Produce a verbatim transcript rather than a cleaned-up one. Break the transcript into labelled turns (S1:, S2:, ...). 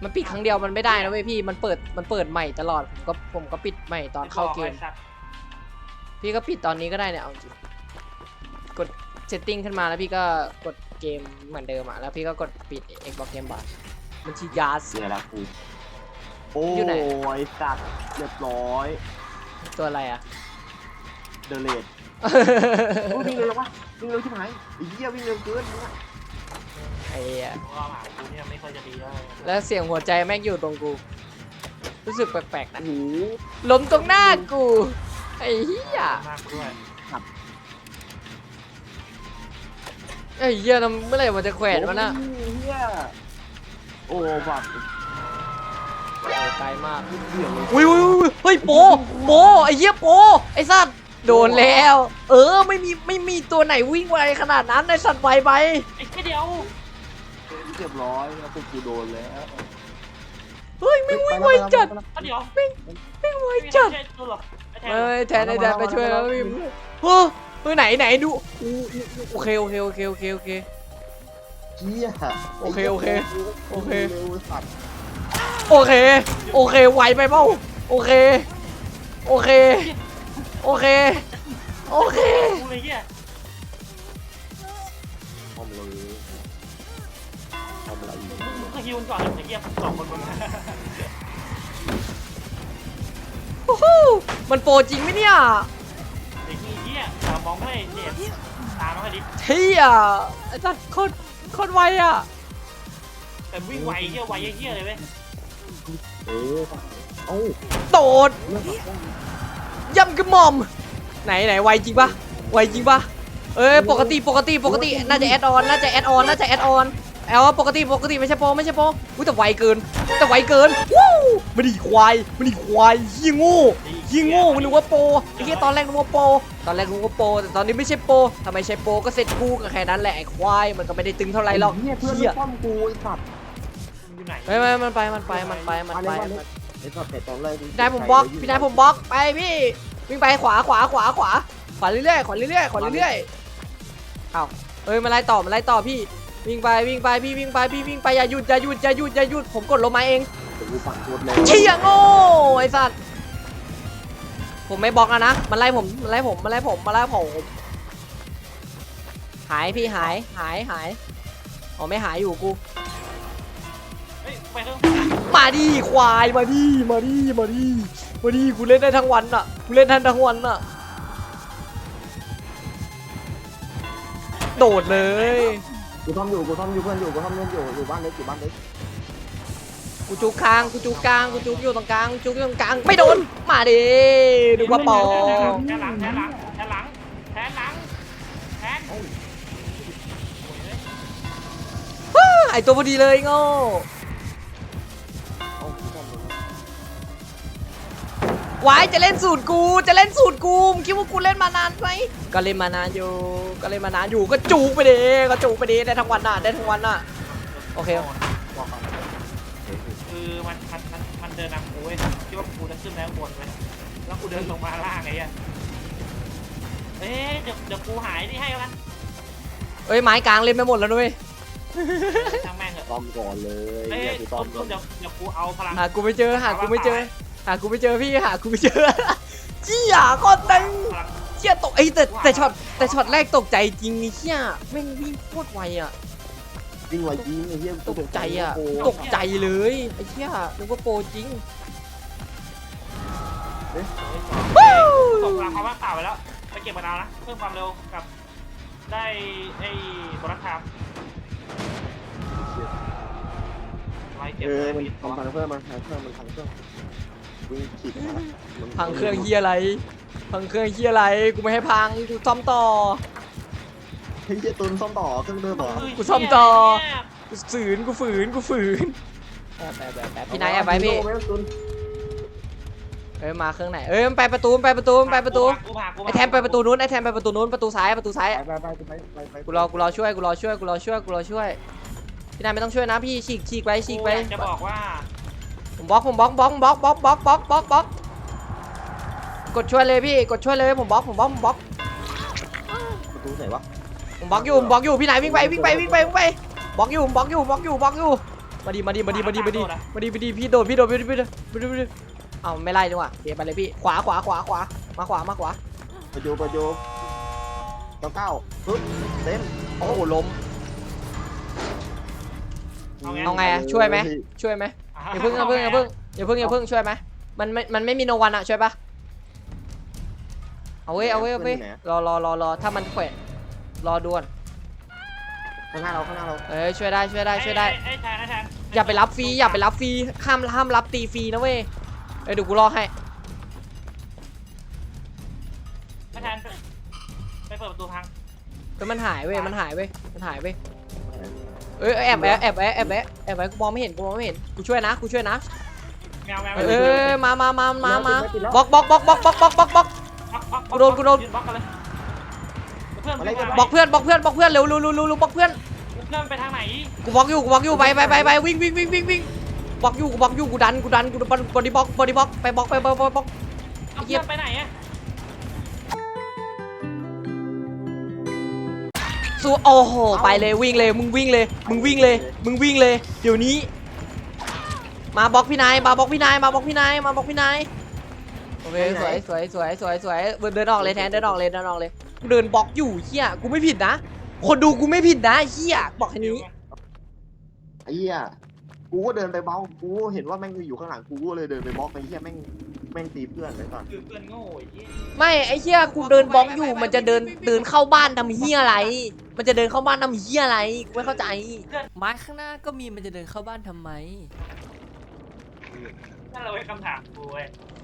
S1: มันปิดครั้งเดียวมันไม่ได้นะเว้ยพี่มันเปิดมันเปิดใหม่ตลอดผมก็ผมก็ปิดใหม่ตอนเข้าเกมพี่ก็ปิดตอนนี้ก็ได้เนี่ยเอาจริงกดเซตติ้งขึ้นมาแล้วพี่ก็กดเกมเหมือนเดิมอ่ะแล้วพี่ก็กดปิด Xbox Game Pass มันชียาส
S2: เนี่ยละกูโอ้
S1: อยู่ไหน
S2: ยสัตว์เรียบร้อย
S1: ตัวอะไรอ่ะ
S2: เดเลดวิ่งเร็ววะวิ่งเร็วชิบหายไอ้เหี้ยวิ่งเร็วเกินเนี่ย
S1: ไอ้เหี้ย
S3: ว่าหมากูเนี่ยไม่ค่อยจะดีแล้ว
S1: แล้วเสียงหัวใจแม่งอยู่ตรงกูรู้สึกแปลกๆนะ
S2: โอ้โห
S1: ล้มตรงหน้ากูไอ้เหี้ย
S3: มากด้วย
S1: ไอ้เหี้ยทำเมื่อไหร่มันจะแขวนมันน่ะ
S2: โอ้ยเหี้ยโอ้บัตร
S1: โอ้ไกลมาก
S2: เหี้ยเลย
S1: อุ้ยอุ้ยอุ้ยเฮ้ยโปโปไอ้เหี้ยโปไอ้สัตว์โดนแล้ว เออไม่มีไม่มีตัวไหนวิ่งไวขนาดนั้นไอ้สัตว์ไวไป
S3: ไอ้แค่เดียว
S2: เรียบร้อยแล้วพวกกูโดนแล้ว
S1: เฮ้ยไม่วิ่งไวจัด
S3: แค่เดียว
S1: ไม่ไม่ไวจัด
S3: ไม่ใช่ตัวหรอก
S1: เฮ้ยแทนไอ้แทนไปช่วยแล้วพี่เฮ้ยเฮ้ยไหนไหนดูโอเคโอเคโอเคโอเคโอเค
S2: เหี้ย
S1: โอเคโอเคโอเค
S2: เร็วสัตว์
S1: โอเคโอเคไวไปเปล่าโอเคโอเคโอเคโอเค
S3: กูเลยเหี้ย
S2: ทำเลยทำอะไรอีก
S3: มึงก็ฮิวก่อนไอ้เหี้ยสองคนมัน
S1: โอ้โหมันโปรจริงไหมเนี่ย
S3: ไอ้เหี้ยตามองไม่เจ็บตามมาให้ดิ
S1: เที่ยไอ้สัตว์โคตรโคตรไวอ่ะ
S3: แต่วิ่งไวเหี้ยไวเหี้ยเลยเว้ย
S2: เอ๊ะเอ้า
S1: โดด
S2: เรื่องของ
S1: ย่ำกระหม่อมไหนไหนไวจริงปะไวจริงปะเอ้ยปกติปกติปกติน่าจะแอดออนน่าจะแอดออนน่าจะแอดออนแอลว่าปกติปกติไม่ใช่โปรไม่ใช่โปรอุ้ยแต่ไวเกินแต่ไวเกินวู้ไม่ได้ควายไม่ได้ควายเฮียโง่เฮียโง่นึกว่าโปรไอ้เฮียตอนแรกนึกว่าโปรตอนแรกนึกว่าโปรแต่ตอนนี้ไม่ใช่โปรทำไมใช่โปรก็เสร็จกูก็แค่นั้นแหละไอ้ควายมันก็ไม่ได้ตึงเท่าไหร่หรอก
S2: เหี้ยเพื่อน
S1: เฮีย
S2: ป้อมกูไอ้สัตว์
S3: อยู่ไหน
S1: ไม่ไม่มันไปมันไปมันไปมันไป
S2: ไอ้สัตว์แต่ตอนแรก
S1: พี่นายผมบล็อกพี่นายผมบล็อกไปพี่วิ่งไปขวาขวาขวาขวาขวาเรื่อยๆขวาเรื่อยๆขวาเรื่อยๆเอ้าเอ้ยมาไล่ต่อมาไล่ต่อพี่วิ่งไปวิ่งไปพี่วิ่งไปพี่วิ่งไปอย่าหยุดอย่าหยุดอย่าหยุดอย่าหยุดผมกดลงมาเอง
S2: กูฝั่งโคตรเลย
S1: เชี่ยโง่ไอ้สัตว์ผมไม่บล็อกแล้วนะมันไล่ผมมันไล่ผมมันไล่ผมมาไล่ผมหายพี่หายหายหายอ๋อไม่หายอยู่กู
S3: เฮ้ยไปเถอะ
S1: มาดิควายมาดิมาดิมาดิมาดิกูเล่นได้ทั้งวันอ่ะกูเล่นได้ทั้งวันอ่ะโดดเลย
S2: กูทำอยู่กูทำอยู่เพื่อนอยู่กูทำเล่นอยู่อยู่บ้านเล็กอยู่บ้านเล็ก
S1: กูจุกกลางกูจุกกลางกูจุกอยู่ตรงกลางจุกอยู่ตรงกลางไม่โดนมาดิดูว่าปอ
S3: แทนหลังแทนหลังแทนหลังแทนหลังแทน
S1: ว้าไอตัวพอดีเลยโง่
S2: เอากูทำเลย
S1: วายจะเล่นสูตรกูจะเล่นสูตรกูมึงคิดว่ากูเล่นมานานไหมก็เล่นมานานอยู่ก็เล่นมานานอยู่ก็จุกไปดิก็จุกไปดิได้ทั้งวันน่ะได้ทั้งวันน่ะโอเค
S2: บอกก่อน
S3: คือมันมันมันมันเดินนำกูเว้ยคิดว่ากูจะขึ้นแล้วบนเว้ยแล้วกูเดินลงมาล่างไงอ่ะเอ๊ะเดี๋ยวเดี๋ยวกูหายนี่ให้แล้วกัน
S1: เอ้ยไม้กลางเล่นไปหมดแล้วด้วย
S3: ช่างแม่งเถอะ
S2: ต้อมก่อนเลย
S3: เอ้ย
S2: เนี่ยกูต้อม
S3: เดี๋ยวเดี๋ยวกูเอาพลัง
S1: หากูไม่เจอหากูไม่เจอหากูไม่เจอพี่หากูไม่เจอเจี้ยโคตรตึง
S3: พลัง
S1: เจี้ยตกไอ้แต่แต่ช็อตแต่ช็อตแรกตกใจจริงไอ้เจี้ยแม่งวิ่งโคตรไวอ่ะ
S2: วิ่งไวยิงไอ้เหี้ย
S1: ตกใจอ่ะ
S2: โโห
S1: ตกใจเลยไอ้เจี้ยนึกว่าโปรจริง
S3: ส่งพลังความว่างเปล่าไปแล้วไปเก็บมะนาวนะเพิ่มความเร็วกับได้ไอ้โบนัสไทม์ไล่เก็บ
S2: เออ
S3: ได้
S2: มัน
S3: มี
S2: ทำพังเครื่องมันพังเครื่องมันพังเครื่องวิ่งขีดมามัน
S1: พังเครื่องเฮียอะไรพังเครื่องเฮียอะไรกูไม่ให้พังกูซ่อมต่อ
S2: เฮ้ยเหี้ยตุนซ่อมต่อเครื่องเดิมเหรอ
S1: กูซ่อมต่อ กูฝืนกูฝืนกูฝืนแอบแอบแอบแอบพี่นายแอบไปพี่
S2: เอาว้ตุน
S1: เอ้ยมาเครื่องไหนเอ้ยมันไปประตูมันไปประตูมันไปประตู
S3: กูพากูพา
S1: ไอแทนไปประตูนู้นไอแทนไปประตูนู้นประตูซ้ายประตูซ้าย
S2: ไปไปไปไปไป
S1: กูรอกูรอช่วยกูรอช่วยกูรอช่วยกูรอช่วยพี่นายไม่ต้องช่วยนะพี่ฉีกฉีกไปฉีกไป
S3: จะบอกว่า
S1: ผมบล็อกผมบล็อกบล็อกบล็อกบล็อกบล็อกบล็อกบล็อกบล็อกกดช่วยเลยพี่กดช่วยเลยผมบล็อกผมบล็อกผมบล็อก
S2: ประตูไหนวะ
S1: ผมบล็อกอยู่ผมบล็อกอยู่พี่นายวิ่งไปวิ่งไปวิ่งไปวิ่งไปบล็อกอยู่ผมบล็อกอยู่บล็อกอยู่บล็อกอยู่มาดีมาดีมาดีมาดีมาดีมาดีมาดีพี่โดดพี่โดดพี่โดดพี่โดดพี่โดดพี่โดดเอ้าไม่ไล่ดีกว่าเดี๋ยวไปเลยพี่ขวาขวาขวาขวามาขวามาขวา
S2: ประโยประโยเก้าเก้าปึ๊บเต็ม
S1: โอ้โหล้ม
S3: เอาไง
S1: เอาไงอะช่วยไหมช่วยไหมอย่าเพิ่งอย่าเพิ่งอย่าเพิ่งอย่าเพิ่งอย่าเพิ่งช่วยไหมมันไม่มันไม่มีโนวันอะช่วยปะเอาเว้ยเอาเว้ยเอาเว้ยรอรอรอรอถ้ามันแขวะรอด่วน
S2: ข้างหน้าเราข้างหน้าเรา
S1: เอ้ยช่วยได้ช่วยได้ช่วยได้
S3: ไอ้แทนไอ้แทน
S1: อย่าไปรับฟรีอย่าไปรับฟรีห้ามห้ามรับตีฟรีนะเว้ยเอ้ยเดี๋ยวกูรอให้
S3: ไอ้แทนไปไปเปิดประตูพัง
S1: เฮ้ยมันหายเว้ยมันหายเว้ยมันหายเว้ยเอ้ยแอบแอบแอบแอบแอบแอบแอบไว้กูมองไม่เห็นกูมองไม่เห็นกูช่วยนะกูช่วยนะ
S3: แมวแมว
S1: เอ้ยมามามามามาบล็อกบล็อกบล็อกบล็อกบล็อกบล็อกบล็อกบล็อก กูโดนกูโดน
S3: บล็อกกันเลยเพื่อน
S1: บล็อกเพื่อนบล็อกเพื่อนบล็อกเพื่อนเร็วเร็วเร็วเร็วบล็อกเพื่อน
S3: เพื่อนไปทางไหน
S1: กูบล็อกอยู่กูบล็อกอยู่ไปไปไปไปวิ่งวิ่งวิ่งวิ่งวิ่งบล็อกอยู่กูบล็อกอยู่กูดันกูดันกูบอดี้บล็อกบอดี้บล็อกไปบล็อกไปบล็อกบล็อก
S3: เพื่อนไปไหนอะ
S1: สู้โอ้โหไปเลยวิ่งเลยมึงวิ่งเลยมึงวิ่งเลยมึงวิ่งเลยเดี๋ยวนี้มาบล็อกพี่นายมาบล็อกพี่นายมาบล็อกพี่นายมาบล็อกพี่นายโอเคสวยสวยสวยสวยสวยเดินออกเลยแทนเดินออกเลยเดินออกเลยกูเดินบล็อกอยู่เฮียกูไม่ผิดนะคนดูกูไม่ผิดนะเฮียบอกแค่นี้
S2: ไอ้เหี้ยกูก็เดินไปบล็อกกูเห็นว่าแม่งอยู่ข้างหลังกูก็เลยเดินไปบล็อกไอ้เหี้ยแม่งแม่งตีเพื่อนไปก่อน
S3: คือเพื่อนโง่ไอ้เหี้ย
S1: ไม่ไอ้เฮียกูเดินบล็อกอยู่มันจะเดินเดินเข้าบ้านทำเฮียอะไร มันจะเดินเข้าบ้านทำเฮียอะไรกูไม่เข้าใจไม้ข้างหน้าก็มีมันจะเดินเข้าบ้านทำไม
S3: นั่นเราไว้คำถามกูเว้ย